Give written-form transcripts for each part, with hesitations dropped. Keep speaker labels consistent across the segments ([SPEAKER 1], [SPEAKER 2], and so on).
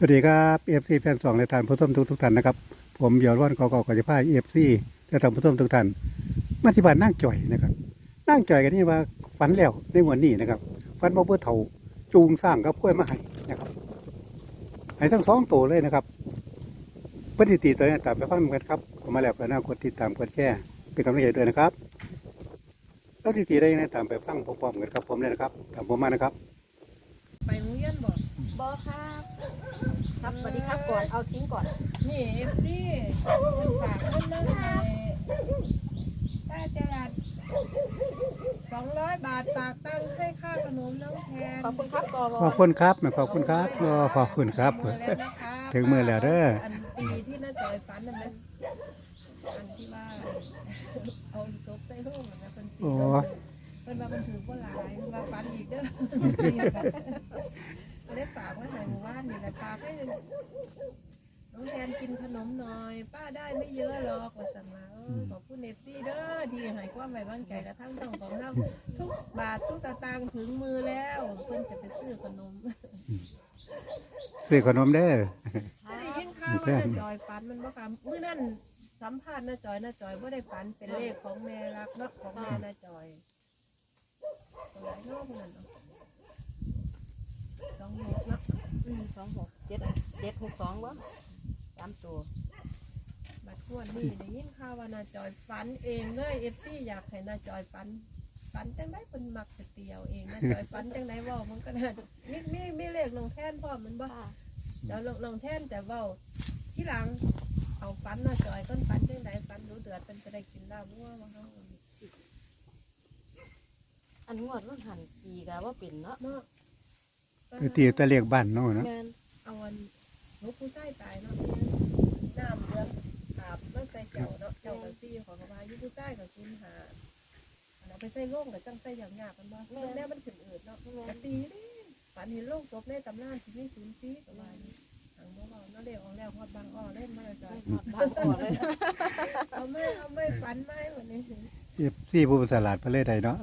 [SPEAKER 1] วัสดีครับเอฟซีแฟนสองและท่านผู้ชมทุกท่านนะครับผมเบียร์ว่านกอกจะพาเอฟซีและท่านผู้ชมทุกท่านมาที่บ้านนั่งจ่อยนะครับนั่งจ่อยกันนี่ว่าฝันแล้วในวันนี้นะครับฝันว่าเพื่อเถาจูงสร้างกับกล้วยมาให้นะครับให้ทั้งสองตัวเลยนะครับปฏิทินตัวนี้ตามไปฟังกันครับเข้ามาแล้วก็น่ากดติดตามกดแชร์เป็นกำลังใจด้วยนะครับแล้วปฏิทินได้ยังไงตามไปฟังพร้อมๆกันครับผมเลยนะครับตามผมมานะครับ
[SPEAKER 2] ไปโรงเรียนบ่
[SPEAKER 3] บอครับสวัสดีครับก่อนเอาทิ้งก่อน
[SPEAKER 2] นี่เอฟซีมันฝากเงินมาให้ป้าจรัส200 บาทฝากตั้งให้ค่าขนมน้องแทน
[SPEAKER 3] ขอบคุณครับก่อน
[SPEAKER 1] ขอบคุณครับขอบคุณครับขอบคุณครับถึงมือแล้วเด้อ
[SPEAKER 2] อันปีที่น้าจอยฝันนั่นนะอันที่ว่าเอาศพใส่ห้องนะเป็นปีเป็นว่ามันถือว่าหลายมันว่าฝันอีกเด้อได้ฝากไว้ให้หมู่บ้านนี่แหละฝากให้น้องแทนกินขนมหน่อยป้าได้ไม่เยอะหรอกว่าสั่งมาขอบคุณเอฟซีเด้อดีให้ความไว้วางใจกระทั่งต้องของเราทุกบาททุกสตางค์ถึงมือแล้วเพิ่นจะไปซื้อขนม
[SPEAKER 1] ซื้อขนมเด้อ
[SPEAKER 2] ได้ยินข่าวว่าน้าจอยฝันมันบ่ค่ะมื้อนั้นสัมภาษณ์น้าจอยบ่ได้ฝันเป็นเลขของแม่รักเนาะของแม่น้าจอยตัวไหนเนาะพวกนั้นเนาะ26เนาะ
[SPEAKER 3] 26 762วะ3ตัว
[SPEAKER 2] บัดขวดนี่ได้ยินข่าวว่าน้าจอยฝันเองเลยFCอยากให้น้าจอยฝันจังได๋เพิ่นมักจะเตียวเองน้าจอยฝันจังได๋เว้ามันก็น่ามีเลขลงแทนพร้อมมันบ่เดี๋ยวลงแทนแต่เว้าที่หลังเอาฝันน้าจอยต้นฝันจังได๋ฝันรู้เดือดเป็นจะได้กินลาบวัวบ่เฮา
[SPEAKER 3] อันงวดมันหันปีกะว่าเป็นเนาะ
[SPEAKER 1] ตีตะเรียกบ้านเนาะนะ
[SPEAKER 2] เอาวันลูกผู้ชายตายเนาะน้ำเดือดอาบมันใส่เจ้าเนาะเจ้ากับซี่ของเขาว่ายุผู้ชายกับคุณหาเราไปใส่โล่งกับจังใส่อย่างยากกันบ่แน่มันขึ้นอืดเนาะกะตีนี่ฝันเห็นโล่งศพในตำนานที่มี0 ปีกับว่าทางบ่เว้าเนาะเรียกออกแล้วฮอดบางอ้อเล่นมาจ้ะ
[SPEAKER 3] บางอ้อเลย
[SPEAKER 2] เอาไม่ฝันไม่วันนี้
[SPEAKER 1] ที่ผู้สลาดประเทศใดเนาะ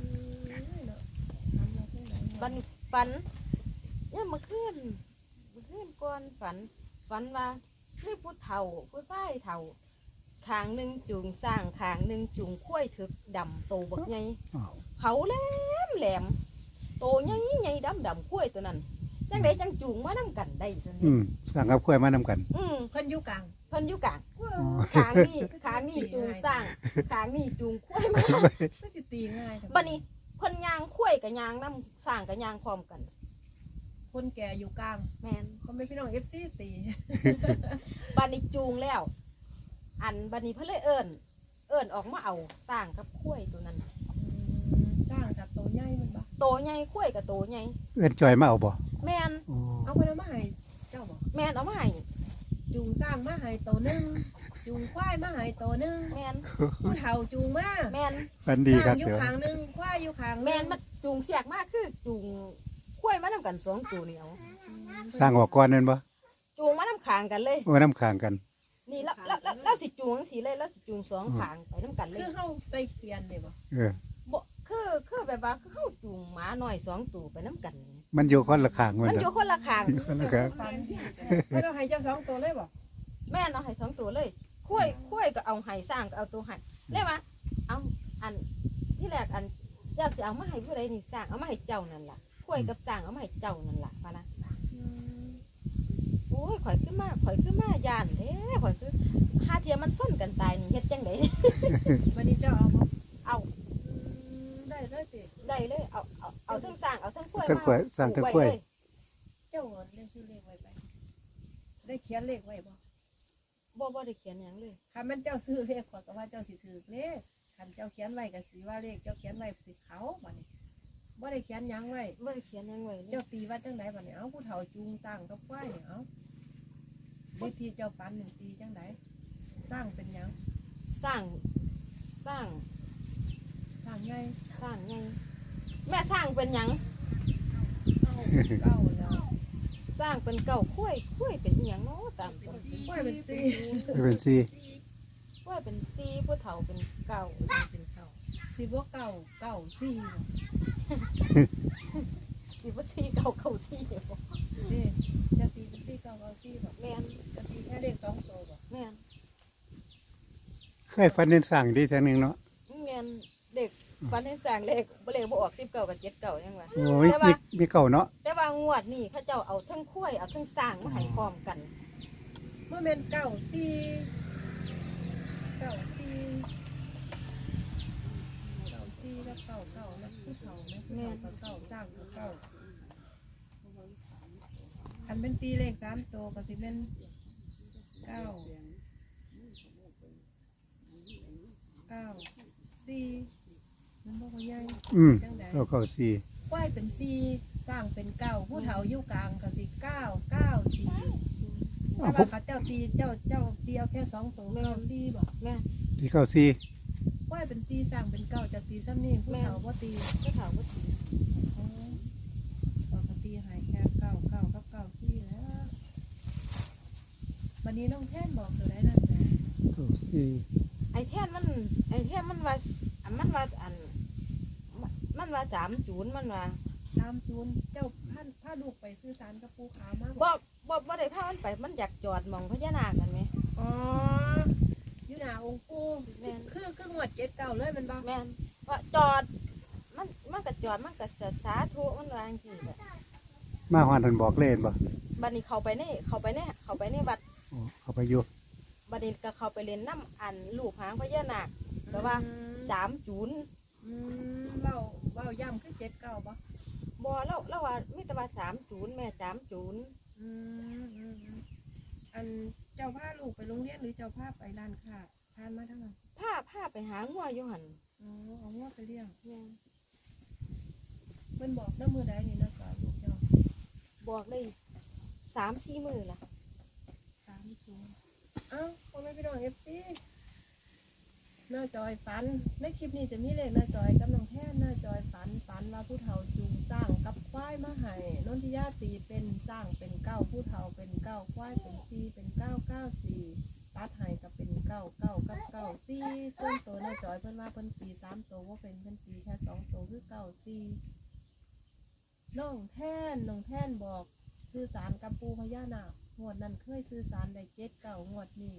[SPEAKER 3] ฝันเนี่ยเมื่อคืนก่อนฝันว่าไม่ผู้เฒ่าผู้ชายเฒ่าขางหนึ่งจูงสร้างขางหนึ่งจูงข้วยถึกดำโตบักใหญ่เขาแหลมโตใหญ่ดำข้วยตัวนั้นจังไดจังจูงมาน้ำกันได้ซั่น
[SPEAKER 1] สร้างกับข้วยมาน้ำกัน
[SPEAKER 2] เพิ่นอยู่กลาง
[SPEAKER 3] ขางนี่จูงสร้างขางนี่จูงข้วยมา
[SPEAKER 2] ก็สิตีง่าย
[SPEAKER 3] บัดนี้คนยางข้วยกับยางน้ำสร้างกับยางพร้อมกัน
[SPEAKER 2] คนแก่อยู่กลาง
[SPEAKER 3] แม่น
[SPEAKER 2] เขาไม่พี่น้อง FC ตี
[SPEAKER 3] บัดนี้จูงแล้วอันบัดนี้เพิ่นเลยเอิ้นออกมาเอาสร้างกับข้วยตัวนั้น
[SPEAKER 2] สร้างกับโตใหญ่มันบ่
[SPEAKER 3] โตใหญ่ข้วยกับโตใหญ่
[SPEAKER 1] เอิ้นจอยมาเอาบ่
[SPEAKER 3] แม่น
[SPEAKER 2] เอาไปเอามาให้เจ้าบ่
[SPEAKER 3] แม่นเอามาให้
[SPEAKER 2] จูงสร้างมาให้โตนึงจูงควายมาให้โตนึง
[SPEAKER 3] แม่น
[SPEAKER 2] ผู้เฒ่าจูงมา
[SPEAKER 3] แม่น
[SPEAKER 1] ฝันดีครับ
[SPEAKER 2] อยู่ข้างนึงควายอยู่ข้าง
[SPEAKER 3] แม่นมันจูงเสียกมากคือจูงข้วยมานำกัน2ตัวนี่เอา
[SPEAKER 1] สร้างออกก่อนนั่นบ่
[SPEAKER 3] จูงมานำข้างกันเลย
[SPEAKER 1] น้ำข้างกัน
[SPEAKER 3] นี่แล้วสิจูงจังซี่เลยแล้วสิจูง2ข้างไปนำกันเลย
[SPEAKER 2] คือเฮาใส่เขียนนี่บ่
[SPEAKER 3] บ่คือแบบว่าเฮาจูงหมาน้อย2ตัวไปนำกัน
[SPEAKER 1] มันอยู่คนละข้าง
[SPEAKER 3] มันอยู่คนละข้าง
[SPEAKER 2] ไม่ต้องให้เจ้า2ตัวเลยบ่
[SPEAKER 3] แม่เอาให้2ตัวเลยข้วยก็เอาให้สร้างก็เอาตัวให้เลยว่าเอาอันที่แรกอันเจ้าสิเอามาให้ผู้ใดนี่สร้างเอามาให้เจ้านั่นล่ะข้วยกับสร้างเอามาให้เจ้านั่นล่ะพะนะโอ้ยข่อยขึ้นมาย่านเด้ข่อยคือหาเทียมันส้นกันตายนี่เฮ็ดจังได๋
[SPEAKER 2] วันนี้เจ้าเอาบ่
[SPEAKER 3] เอา
[SPEAKER 2] ได้เลยติ
[SPEAKER 3] ได้เลยเอาทั้งสร้างเอาทั้งข้วย
[SPEAKER 1] มาสร้างทั้งข้วย
[SPEAKER 2] เจ้าเล่นชื่อเลขไว้ไปได้เขียนเลขไว้บ่
[SPEAKER 3] บ่ได้เขียนหยังเลย
[SPEAKER 2] คันมันเจ้าซื้อเลขขอก็ว่าเจ้าสิถือเลขคันเจ้าเขียนไว้ก็สิว่าเลขเจ้าเขียนไว้สิเขาบัดนี้บ่ได้เขียนหยังไว้
[SPEAKER 3] บ่ได้เขียนหยังไว้
[SPEAKER 2] เจ้าตีว่าจังไดบัดนี้เอ้าผู้เฒ่าจูงสร้างกับควายเนี่ยเอ้าเลขที่เจ้าปัน1ตีจังไดสร้างเป็นหยัง
[SPEAKER 3] สร้าง
[SPEAKER 2] ใหญ่
[SPEAKER 3] แม่สร้างเป็นหยัง
[SPEAKER 2] เก้าแล้ว
[SPEAKER 3] สร้างเป็นเก่าข้วยเป็นอีหยังเนาะตามตัว
[SPEAKER 2] ควายเป็น4
[SPEAKER 1] เป็น4
[SPEAKER 3] ข้วยเป็น4ผู้เฒ่าเป็นเก่า
[SPEAKER 2] เป็นเก่าสิบ่เก่า4
[SPEAKER 3] สิบ่4เก่า4
[SPEAKER 2] เด้จะตีเป็น4เก่า
[SPEAKER 1] เคยฝันเห็นสร้างดีแท้หนึงเนาะ
[SPEAKER 3] แม่นเด็กฝันเห็นสร้างเลขบ่ออก19กับ79ยังว่า
[SPEAKER 1] โอ้ยมีเก่าเนาะ
[SPEAKER 3] แต่ว่างวดนี้เขาเจ้าเอาทั้งคุ้ยเอาทั้งสร้างมาให้พร้อมกัน
[SPEAKER 2] เมื่อเป็นเก้าสี่เก้าสี่เก้าสี่แล้วเก้าเก้านะผู้เฒ่านะผู้เฒ่ากับเก้าสร้างกับเก้าอันเป็นตีเลข3ตัวก็สิเป็นเก้าสี่มันบอกว่าใหญ่
[SPEAKER 1] อืม
[SPEAKER 2] จังใด
[SPEAKER 1] เก่าสี่
[SPEAKER 2] ควายเป็นสี่สร้างเป็นเก้าผู้เฒ่าอยู่กลางก็สิเก้าเก้าสี่ถ้าว่าเขาเจ้าตีเจ้าตีเอาแค่2ตัวเก้าสี่บอก
[SPEAKER 3] แม่
[SPEAKER 1] ที่เก่าสี่
[SPEAKER 2] ควายเป็นสี่สร้างเป็นเก้าจะตีซ้ำนี่ผู้เฒ่าว่าตี
[SPEAKER 3] ผู้เฒ่าบ่ถือ
[SPEAKER 2] อ๋อปกติหายแค่เก้าเก้ากับเก้าสี่แล้ววันนี้น้องแท่นบอกตัวได้น่าจะ
[SPEAKER 1] เก่าสี่
[SPEAKER 3] ไอ้แท่นมันว่ามันว่า3จูนมันว่า
[SPEAKER 2] ตามจูนเจ้าพาลูกไปซื้อสารกับปูขาวมาบอก
[SPEAKER 3] บ่ได้พามันไปมันอยากจอดหมองพญานาคกันไหม
[SPEAKER 2] อ๋ออยู่หน้าองค์ปู่
[SPEAKER 3] แม่น
[SPEAKER 2] คือหวดเจ็ดเก่าเลยแมันบ้าง
[SPEAKER 3] แม่นว่าจอดมันก็จอดมันก็สาธุมันว่าจังซี่แหละ
[SPEAKER 1] มาฮอดเพิ่นบอกเล่นบ่
[SPEAKER 3] บัดนี้เข้าไปในวัด
[SPEAKER 1] โอ้เขาไปอยู่
[SPEAKER 3] บัดนี้ก็เข้าไปเล่นน้ำอันลูกหางพญานาคแต่ว่า3จูน
[SPEAKER 2] เว้าย่ำคือเจ็ดเก่าปะ
[SPEAKER 3] บ่เราว่ามีแต่ว่า3จูนแม่3จูน
[SPEAKER 2] อันเจ้าพาลูกไปโรงเรียนหรือเจ้าพาไปร้านค้าทานมาทั้งนั้น
[SPEAKER 3] พาไปหางัวอยู่หั่น
[SPEAKER 2] อ๋อเอาง้อไปเลี้ยงเพิ่นบอกน้ำมือใดนี่นะก่อนลูกเจ้า
[SPEAKER 3] บอกได้3-4 มื้อละ
[SPEAKER 2] 30เอ้าพ่อแม่พี่น้องFCหน้าจอยฝันในคลิปนี้จะมีเลขหน้าจอยกับน้องแท่นหน้าจอยฝันว่าผู้เฒ่าจูงสร้างกับควายมาให้นนทิยาตีเป็นสร้างเป็นเก้าผู้เฒ่าเป็นเก้าควายเป็นสี่เป็นเก้าเก้าสี่ตัดให้ก็เป็นเก้าเก้ากับเก้าสี่ส่วนตัวหน้าจอยเพิ่นว่าเพิ่นตี3ตัวว่าเป็นเพิ่นตีแค่2ตัวคือเก้าสี่น้องแท่นบอกสื่อสารกับปูพญานาคงวดนั้นเคยสื่อสารได้7 9งวดนี้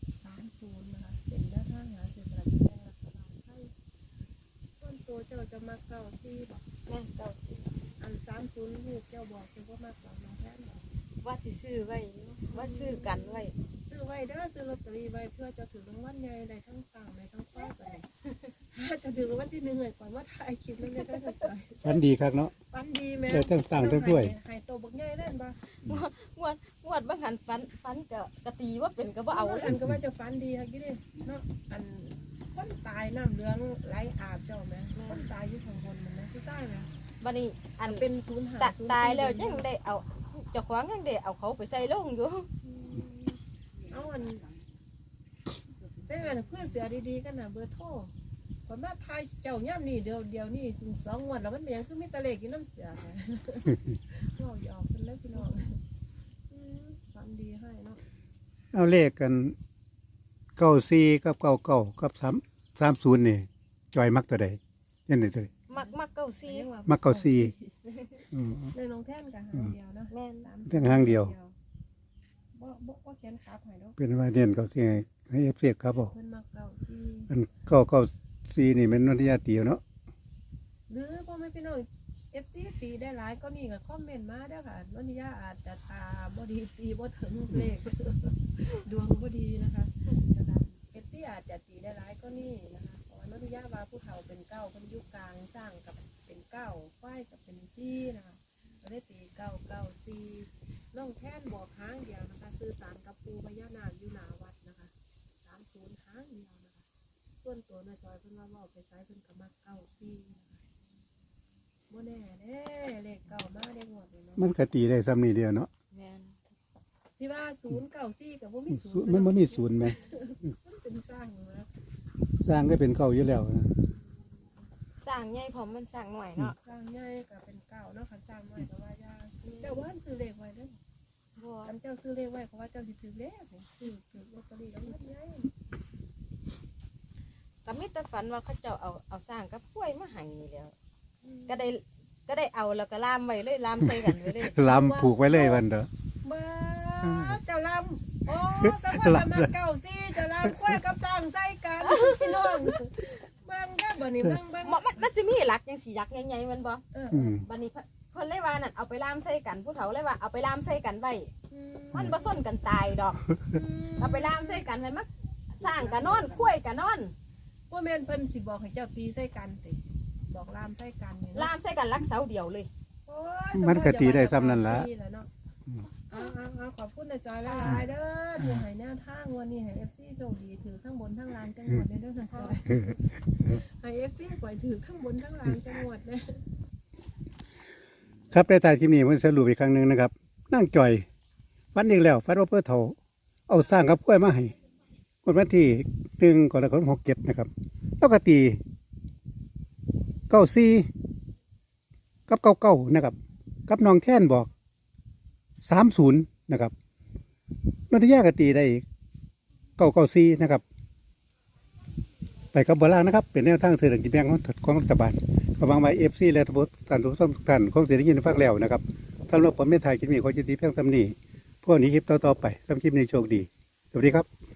[SPEAKER 2] 30นะคะเป็นแนวทางหาซื้อสลากกินแบ่งรัฐบาลไทยส่วนตัวเจ้าจะมาเก้าสี่บอก
[SPEAKER 3] แม่เก่าสิ
[SPEAKER 2] อัน30ลูกเจ้าบอกคือว่ามาเก้าน้องแท่นบอก
[SPEAKER 3] ว่าสิซื้อไว้อยู่ว่าซื้อกันไว้
[SPEAKER 2] ซื้อไว้เด้อซื้อลอตเตอรี่ไว้เพื่อจะถือรางวัลใหญ่ได้ทั้งสั่งได้ทั้งควายไปจะถือรางวัลที่1เลยก่อนว่าถ่ายคลิปแล้วเนี่ยได้เข้าใจ
[SPEAKER 1] ฝันดีคักเนาะ
[SPEAKER 2] ปันดีแม่
[SPEAKER 1] ได้ทั้งสร้างทั้งถ้วย
[SPEAKER 2] ให้โตบักใหญ่เล่นบ่
[SPEAKER 3] งวดบางหันฟันกะตีว่าเป็นก็บ่เอา
[SPEAKER 2] อันก็ว่าจะฟันดีค่ะกี่ดิเนาะอันคนตายน้ำเหลืองไหลอาบเจ้าแม่คนตายอยู่ข้างบนมันนะผู้ชายแม่
[SPEAKER 3] บัดนี้อัน
[SPEAKER 2] เป็นศูนย์หา
[SPEAKER 3] ตายแล้วยังได้เอาเจ้าของยังได้เอาเขาไปใส่ลงอยู่
[SPEAKER 2] เอาอันเส้นเพื่อนเสียดีๆกันนะเบอร์โทรผมว่าทายเจ้าย่ำนี่เดียวนี่2 งวดแล้วมันเป็นยังคือมีตะเลกินน้ำเสียไงเราหยอกกันเลยพี่น้องฟันดีให้เนาะ
[SPEAKER 1] เอาเลขกันเก้าสี่กับเก้าเก้ากับ30นี่จอยมักตัวใดยันไหนตัวใด
[SPEAKER 3] มักเก่าซี
[SPEAKER 1] มักเก้าสี่อืม
[SPEAKER 2] ในน้องแท่นกับหางเดียวนะ
[SPEAKER 3] แม่น
[SPEAKER 1] เพียงหางเดียว
[SPEAKER 2] บ่แขนขาหอยเนาะ
[SPEAKER 1] เป็นว่าเน้นเก้าสี่ให้เอฟซีครับบอก
[SPEAKER 2] เพิ่นมาเก่าซี
[SPEAKER 1] อันเก้าเก้าสี่นี่เป็นนนทิยาตีเนาะ
[SPEAKER 2] หรือพ่อแม่พี่น้อง FC ตีได้หลายก็นี่ก็คอมเมนต์มาเด้อค่ะนนทิยาอาจจะตาบ่ดีตีบ่ถึงเลข ดวงบ่ดีนะคะFC อาจจะตีได้หลายก็นี่นะคะเพราะว่านนทิยาว่าผู้เฒ่าเป็นเก้าเพิ่นอยู่กลางสร้างกับเป็นเก้าฝ้ายกับเป็นซี่นะคะก็ได้ตีเก้าเก้าซี่น้องแท่นบอกหางเดียวนะคะสื่อสารกับปูพญานาคอยู่หน้าวัดนะคะ30หางเดียวนะคะส่วนตัวน้าจอยเพิ่นว่าเว้าไปไสเพิ่นก็มักเก้าซี่นะคะบ่แน่เด้เลขเก้ามาได้งวดเลยเนาะ
[SPEAKER 1] มันก็ตีได้ซ้ำนี่เดียวเนาะ
[SPEAKER 3] แม่น
[SPEAKER 2] สิว่า0 9 4ก็บ่มี
[SPEAKER 1] ศูนย์
[SPEAKER 2] 0
[SPEAKER 1] มันบ่มีศูนย์ไหม
[SPEAKER 2] มันเป็นสร้างอยู่นะ
[SPEAKER 1] สร้างก็เป็นเก่าอยู่แล้วนะ
[SPEAKER 3] สร้างใหญ่พร้อมมันสร้างหน่อยเนาะ
[SPEAKER 2] สร้างใหญ่ก็เป็นเก้าเนาะคันสร้างน้อยก็ว่ายากเจ้าว่าซื้อเลขไว้เด้อ
[SPEAKER 3] บ่
[SPEAKER 2] คันเจ้าซื้อเลขไว้เพราะว่าเจ้าสิถือเลขนี่ถือลอตเตอรี่แล้วมันใหญ่
[SPEAKER 3] ก็มีแต่ฝันว่าเขาเจ้าเอาสร้างกับกล้วยมาให้นี่แหล้วก็ได้เอาแล้วก็ล่ามไว้เลยล่ามใส่กันไว้เลย
[SPEAKER 1] ลำผูกไว้เลยวันเด้อ
[SPEAKER 2] มาเจ้าลำโอ้สักวันละมาเก่าสิจะลามควายกับสร้างใจกันพี่น้องเบิ่งได้บ่นี่เบิ่ง
[SPEAKER 3] มันสิมีหลักจังสิยักษ์ใหญ่ๆมันบ่
[SPEAKER 1] อืม
[SPEAKER 3] บัดนี้เพิ่นเลยว่านั่นเอาไปล่ามใส่กันผู้เฒ่าเลยว่าเอาไปล่ามใส่กันไว้มันบ่ซ่อนกันตายดอกเอาไปล่ามใส่กันไว้มักสร้างกันนอนคุ้ยกันนอน
[SPEAKER 2] ว่าแม่นเพิ่นสิบอกให้เจ้าตีใส่กันติบอกลามใส่กันนี่
[SPEAKER 3] ล่ามใส่กันรักเสาเดียวเลย
[SPEAKER 2] โอ้ย
[SPEAKER 1] มันก็ตีได้ซ้ำนั่นล่ะ
[SPEAKER 2] เอาขอบคุณนะจอยหลายๆเด้อที่ให้แนวทางวันนี้ให้ FC โชคดีถือข้างบนทั้งล่างจังหวัดเด้อนะจอยให้ FC ปล่อยถือข้างบนทั้งล่างจังหวัดเด้อ
[SPEAKER 1] ครับในท้ายคลิปนี้ผมสรุปอีกครั้งหนึ่งนะครับนั่งจ่อยฟันอีกแล้วฟันว่าเพื่อเถาเอาสร้างกับกล้วยมาให้คนวันที่1 กรกฎาคม 67นะครับแล้วก็ตี94กับ99นะครับกับน้องแท่นบอก30นะครับนนทยากตีได้อีก994นะครับไปกับโบราณนะครับเป็นแนวทางเสนอกินแบ่งของรัฐบาลกำลังมาFC และทุกท่านทุกท่านคงจะได้ยินฟังแล้วนะครับสำหรับผมไม่ถ่ายคลิปนี้ขอจิตดีเพียงสำนีพวกนี้คลิปต่อๆไปสำหรับคลิปนี้โชคดีสวัสดีครับ